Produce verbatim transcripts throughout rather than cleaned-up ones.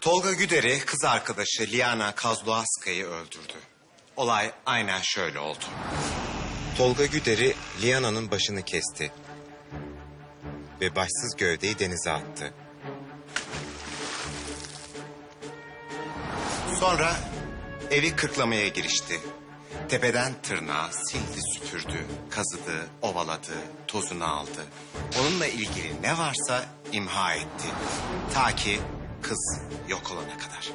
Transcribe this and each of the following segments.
Tolga Güder'i kız arkadaşı Liana Kozlovska'yı öldürdü. Olay aynen şöyle oldu. Tolga Güder'i Liana'nın başını kesti ve başsız gövdeyi denize attı. Sonra evi kırklamaya girişti. Tepeden tırnağa sildi, süpürdü, kazıdı, ovaladı, tozunu aldı. Onunla ilgili ne varsa imha etti. Ta ki kız yok olana kadar.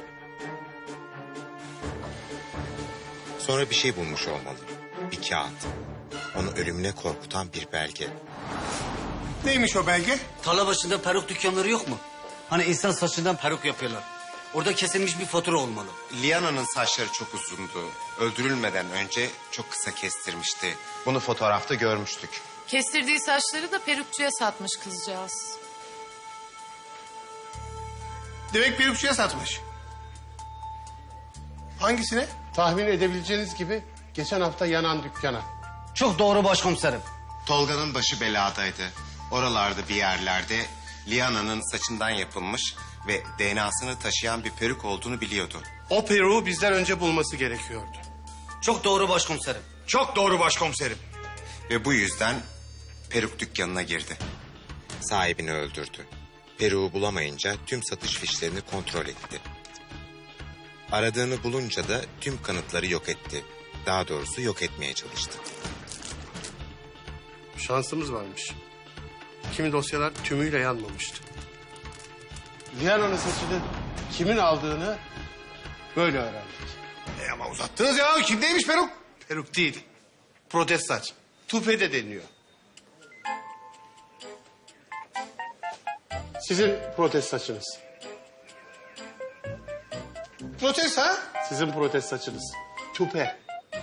Sonra bir şey bulmuş olmalı. Bir kağıt. Onu ölümüne korkutan bir belge. Neymiş o belge? Tarla başında peruk dükkanları yok mu? Hani insan saçından peruk yapıyorlar. Orada kesilmiş bir fatura olmalı. Liana'nın saçları çok uzundu. Öldürülmeden önce çok kısa kestirmişti. Bunu fotoğrafta görmüştük. Kestirdiği saçları da perukçuya satmış kızcağız. Demek perukçuya satmış. Hangisine? Tahmin edebileceğiniz gibi geçen hafta yanan dükkana. Çok doğru başkomiserim. Tolga'nın başı beladaydı. Oralarda bir yerlerde Liana'nın saçından yapılmış ve D N A'sını taşıyan bir peruk olduğunu biliyordu. O peruğu bizden önce bulması gerekiyordu. Çok doğru başkomiserim. Çok doğru başkomiserim. Ve bu yüzden peruk dükkanına girdi. Sahibini öldürdü. Peruğu bulamayınca tüm satış fişlerini kontrol etti. Aradığını bulunca da tüm kanıtları yok etti. Daha doğrusu yok etmeye çalıştı. Şansımız varmış. Kimi dosyalar tümüyle yanmamıştı. Liana'nın saçını kimin aldığını böyle öğrendik. E ama uzattınız ya. Kimdeymiş peruk? Peruk değil. Protez saç. Tupe de deniyor. Sizin protez saçınız. Protest ha? Sizin protez saçınız. Tupe.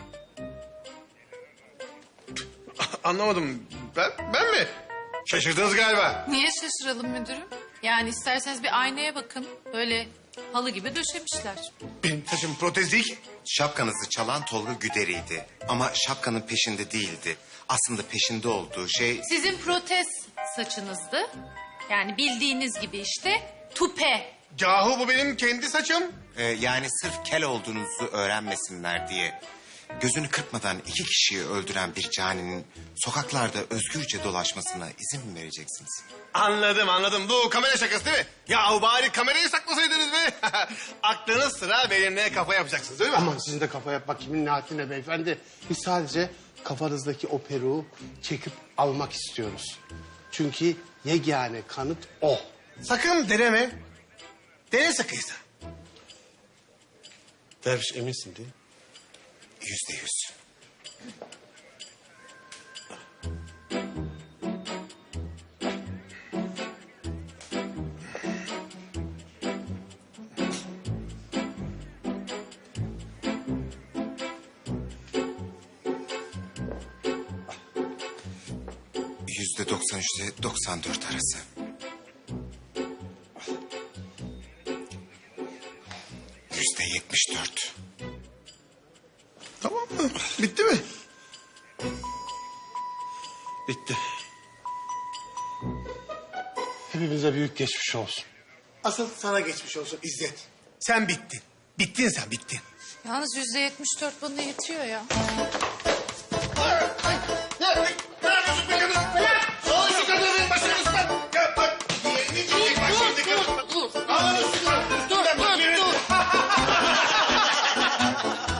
Anlamadım. Ben, ben mi? Şaşırdınız galiba. Niye şaşıralım müdürüm? Yani isterseniz bir aynaya bakın. Böyle halı gibi döşemişler. Benim saçım protez değil ki. Şapkanızı çalan Tolga Güder'iydi. Ama şapkanın peşinde değildi. Aslında peşinde olduğu şey... Sizin protez saçınızdı. Yani bildiğiniz gibi işte tupe. Yahu bu benim kendi saçım. e, yani sırf kel olduğunuzu öğrenmesinler diye... gözünü kırpmadan iki kişiyi öldüren bir caninin sokaklarda özgürce dolaşmasına izin mi vereceksiniz? Anladım anladım. Bu kamera şakası değil mi? Yahu bari kamerayı saklasaydınız be. Aklınız sıra benimle kafa yapacaksınız değil mi? Aman sizin de kafa yapmak kimin niyetine beyefendi. Biz sadece kafanızdaki o peruğu çekip almak istiyoruz. Çünkü yegane kanıt o. Sakın deneme. Dene sakıysa. Derviş eminsin değil mi? Yüzde yüz. Yüzde doksan üçle doksan dört arası. Yüzde yetmiş dört. Tamam mı? Bitti mi? Bitti. Hepimize büyük geçmiş olsun. Asıl sana geçmiş olsun İzzet. Sen bittin. Bittin sen bittin. Yalnız yüzde yetmiş dört bana yetiyor ya. Ne? Ne yapıyorsun be kadın? Al şu kadının başını ıslat. Ya bak. Diğerini çekecek bak şimdi kadın. Al onu üstüne. Dur dur dur.